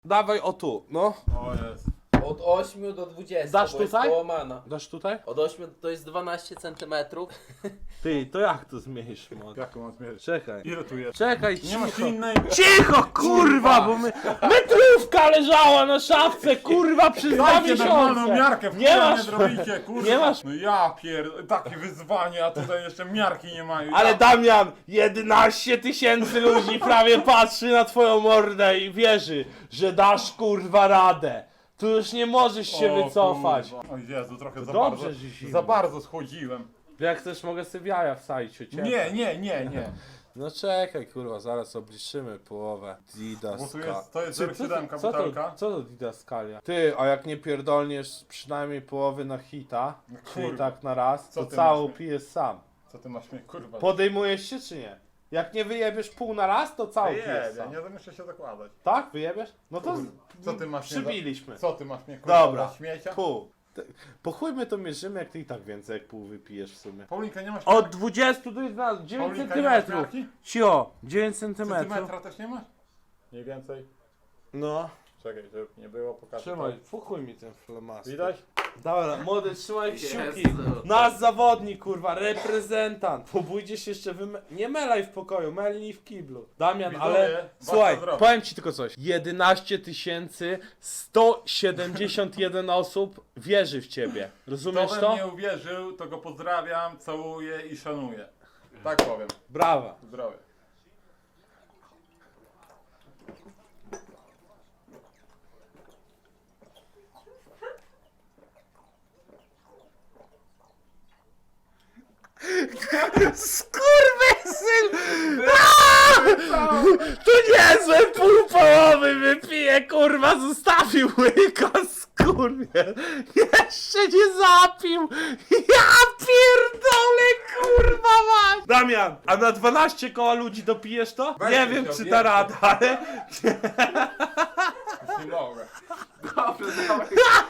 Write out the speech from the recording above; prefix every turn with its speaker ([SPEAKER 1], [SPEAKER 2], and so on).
[SPEAKER 1] Dawaj o tu, no.
[SPEAKER 2] O jest.
[SPEAKER 3] Od 8 do 20.
[SPEAKER 1] Dasz
[SPEAKER 3] bo jest
[SPEAKER 1] tutaj?
[SPEAKER 3] połamana.
[SPEAKER 1] Dasz tutaj?
[SPEAKER 3] Od 8 to jest 12 cm.
[SPEAKER 1] Ty, to jak to zmienisz, mod?
[SPEAKER 2] Jak mam zmierzyć?
[SPEAKER 1] Czekaj.
[SPEAKER 2] Ile tu jest?
[SPEAKER 1] Czekaj,
[SPEAKER 2] Nie masz
[SPEAKER 1] cicho.
[SPEAKER 2] innej...
[SPEAKER 1] Cicho, kurwa, bo metrówka leżała na szafce, kurwa, przez 2
[SPEAKER 2] Dajcie normalną
[SPEAKER 1] miesiące.
[SPEAKER 2] miarkę, w
[SPEAKER 1] Nie masz.
[SPEAKER 2] nie zrobicie, kurwa.
[SPEAKER 1] Nie masz.
[SPEAKER 2] No ja takie wyzwanie, a tutaj jeszcze miarki nie mają.
[SPEAKER 1] Ale Damian, 11 000 ludzi prawie patrzy na twoją mordę i wierzy, że dasz kurwa radę. Tu już nie możesz się
[SPEAKER 2] O,
[SPEAKER 1] wycofać.
[SPEAKER 2] kurwa. O Jezu, trochę za
[SPEAKER 1] dobrze,
[SPEAKER 2] bardzo.
[SPEAKER 1] że zimno.
[SPEAKER 2] Za bardzo schodziłem.
[SPEAKER 1] Jak chcesz, mogę sobie jaja wsadzić u ciebie.
[SPEAKER 2] Nie.
[SPEAKER 1] No czekaj, kurwa, zaraz obliczymy połowę.
[SPEAKER 2] Bo tu
[SPEAKER 1] Didaskalia.
[SPEAKER 2] jest, to jest
[SPEAKER 1] Ty,
[SPEAKER 2] 0,7
[SPEAKER 1] co
[SPEAKER 2] butelka.
[SPEAKER 1] co to Didaskalia? Ty, a jak nie pierdolniesz przynajmniej połowy na hita, czyli
[SPEAKER 2] kurwa.
[SPEAKER 1] tak na raz,
[SPEAKER 2] Co
[SPEAKER 1] to
[SPEAKER 2] ty
[SPEAKER 1] całą
[SPEAKER 2] masz?
[SPEAKER 1] pijesz sam.
[SPEAKER 2] Co ty masz mnie, kurwa?
[SPEAKER 1] Podejmujesz się czy nie? Jak nie wyjebiesz pół na raz, to całą pijesz
[SPEAKER 2] Wyjebie,
[SPEAKER 1] sam.
[SPEAKER 2] nie muszę się zakładać.
[SPEAKER 1] Tak? Wyjebiesz? No to
[SPEAKER 2] Co ty masz mnie
[SPEAKER 1] przybiliśmy.
[SPEAKER 2] Co ty masz mnie, kurwa,
[SPEAKER 1] Dobra,
[SPEAKER 2] za śmiecia?
[SPEAKER 1] pół. Po chuj my to mierzymy, jak ty i tak więcej jak pół wypijesz w sumie.
[SPEAKER 2] Paulinka, nie masz
[SPEAKER 1] Od 20 do 11, 9
[SPEAKER 2] Paulinka, nie masz
[SPEAKER 1] cm.
[SPEAKER 2] miarki?
[SPEAKER 1] Cio, 9 cm.
[SPEAKER 2] Centymetra też nie masz? Mniej więcej.
[SPEAKER 1] No,
[SPEAKER 2] Czekaj, żeby nie było, pokażę.
[SPEAKER 1] trzymaj, fuchuj mi ten flamaster.
[SPEAKER 2] Widać?
[SPEAKER 1] Dobra, młody, trzymaj kciuki.
[SPEAKER 3] Jezu.
[SPEAKER 1] Nasz zawodnik, kurwa, reprezentant. Pobójdzie się jeszcze nie melaj w pokoju, melnij w kiblu. Damian,
[SPEAKER 2] Widzowie,
[SPEAKER 1] ale
[SPEAKER 2] was
[SPEAKER 1] słuchaj,
[SPEAKER 2] to zrobi.
[SPEAKER 1] powiem ci tylko coś. 11 171 osób wierzy w ciebie. Rozumiesz
[SPEAKER 2] Kto we
[SPEAKER 1] to?
[SPEAKER 2] mnie uwierzył, to go pozdrawiam, całuję i szanuję. Tak powiem.
[SPEAKER 1] Brawa.
[SPEAKER 2] Zdrowie.
[SPEAKER 1] Skurwysyn! To niezłe pół połowy wypije, kurwa, zostawił łyka, skurwiel. Jeszcze nie zapił. Ja pierdolę, kurwa mać. Damian, a na 12 koła ludzi dopijesz to?
[SPEAKER 2] Weź
[SPEAKER 1] Nie
[SPEAKER 2] się
[SPEAKER 1] wiem, czy
[SPEAKER 2] odjebcie.
[SPEAKER 1] da rada, ale...
[SPEAKER 2] Już nie mogę.
[SPEAKER 3] Dobrze, dawaj.